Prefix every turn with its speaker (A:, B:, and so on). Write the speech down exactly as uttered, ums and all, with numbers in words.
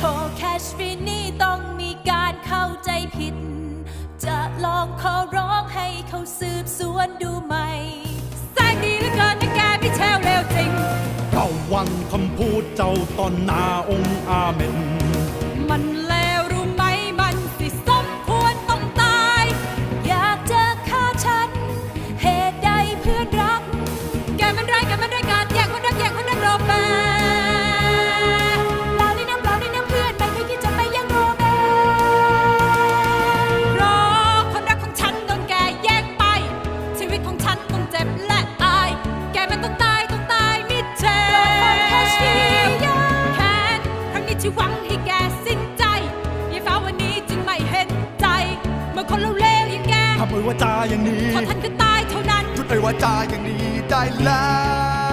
A: แคชฟีนี่ต้องมีการเข้าใจผิดจะลองขอร้องให้เขาสืบสวนดูไหมแสงดีเหลือเกินนะแกพี่แชวเร็วจริง
B: ระวังคำพูดเจ้าตอนหน้าองค์อาเมน
A: มันเลวรู้ไหมมันสิสมควรต้องตายอยากจะฆ่าฉันเหตุใดเพื่อนรักแกมันร้ายแกมันร้ายกาจแย่งคนรักแย่งคนรักโรเบิร์ตเปล่านี่นะเปล่านี่นะเพื่อนไม่เคยคิดจะไปแย่งโรเบิร์ตเพราะคนรักของฉันโดนแกแย่งไปชีวิตของฉันต้องเจ็บและอายแกมันต้องตายต้องตายมิเชลแคนครั้งนี้ที่หวังให้แกสิ้นใจยายฟ้าวันนี้จึงไม่เห็นใจเมื่อคนเลวๆอย่างแก
B: ทำไมว่าจาอย่างนี้
A: พอท่านก็ตายเท่านั้น
B: หยุดไอ้ว่าจาอย่างนี้ได้แล้ว